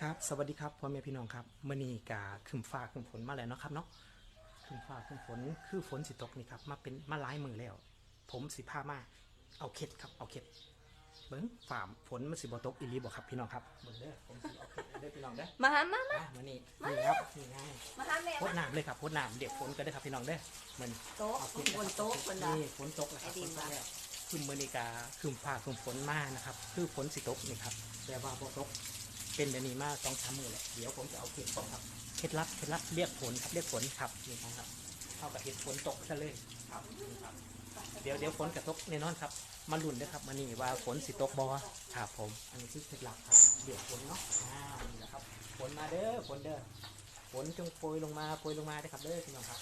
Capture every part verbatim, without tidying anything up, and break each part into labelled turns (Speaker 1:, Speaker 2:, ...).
Speaker 1: ครับสวัสดีครับพ่อแม่พี่น้องครับมื่อนี้กาขึ้นฟ้าขึ้นฝนมาแล้วเนาะครับเนาะขึ้นฟ้าขึ้นฝนคือฝนสิตกนี่ครับมาเป็นมาหลายมือแล้วผมสิพามาเอาเข็ดครับเอาเข็ดเบิ้งฝ่าฝนมันสิบ่ตกอีหลีบ่ครับพี่น้องครับเบิ้งเด้อผมสิเอาเข็ดเด้อพี่น้องเด้อ
Speaker 2: มาหามามา
Speaker 1: อ่ะมื่อนี้นี่ครับนี่ง่าย
Speaker 2: มาหาแม่
Speaker 1: พด
Speaker 2: มา
Speaker 1: น้ำเลยครับพดน้ำเด็กฝนก็ได้อครับพี่น้องเด้อมัน
Speaker 2: โต๊ะ
Speaker 1: เอาเข็ด
Speaker 2: บนโต๊ะคนละ
Speaker 1: นี่ฝนตกแล้วครับ
Speaker 2: ไอ้ดิ
Speaker 1: ฝ
Speaker 2: น
Speaker 1: นตก
Speaker 2: ว่ะ
Speaker 1: แล้วคือมื่อนี้กาขึ้นฟ้าขึ้นฝนมานะครับคือฝนสิตกนี่ครับแต่ว่าบ่ตก เป็นแบบนี้มาสองสามมือแหละเดี๋ยวผมจะเอาเคล็ดก่อนครับเคล็ดลับเคล็ดลับเรียกฝนครับเรียกฝนครับนี่ครับเท่ากับเห็ดฝนตกซะเลยครับนี่ครับเดี๋ยวเดี๋ยวฝนกระตกแน่นอนครับมาลุ้นนะครับมานี่ว่าฝนสิตกบอครับผมอันนี้คือเคล็ดลับครับเรียกฝนเนาะอ่านี่นะครับฝนมาเด้อฝนเด้อฝนจงโปรยลงมาโปรยลงมาได้ครับเด้อพี่น้องครับ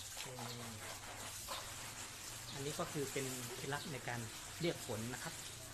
Speaker 1: อันนี้ก็คือเป็นเคล็ดลับในการเรียกฝนนะครับ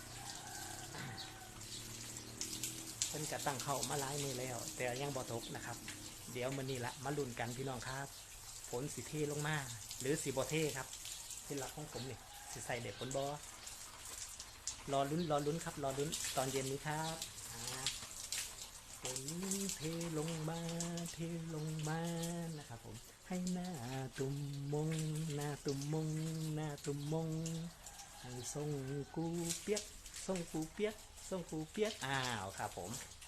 Speaker 1: เพิ่นกะตั้งเข้ามาหลายมือแล้ว แต่ยังบ่ตกนะครับ เดี๋ยวมื้อนี้ละมาลุ้นกันพี่น้องครับฝนสิเทลงมาหรือสิบ่เทครับที่หลักของผมนี่สิใส่เด็กฝนบ่รอลุ้นรอลุ้นครับรอลุ้นตอนเย็นนี้ครับฝนเทลงมาเทลงมานะครับผมให้หน้าตุ่มมงหน้าตุ่มมงหน้าตุ่มมงให้ส่งกูเปียกส่งกูเปียกส่งกูเปียกอ้าวครับผม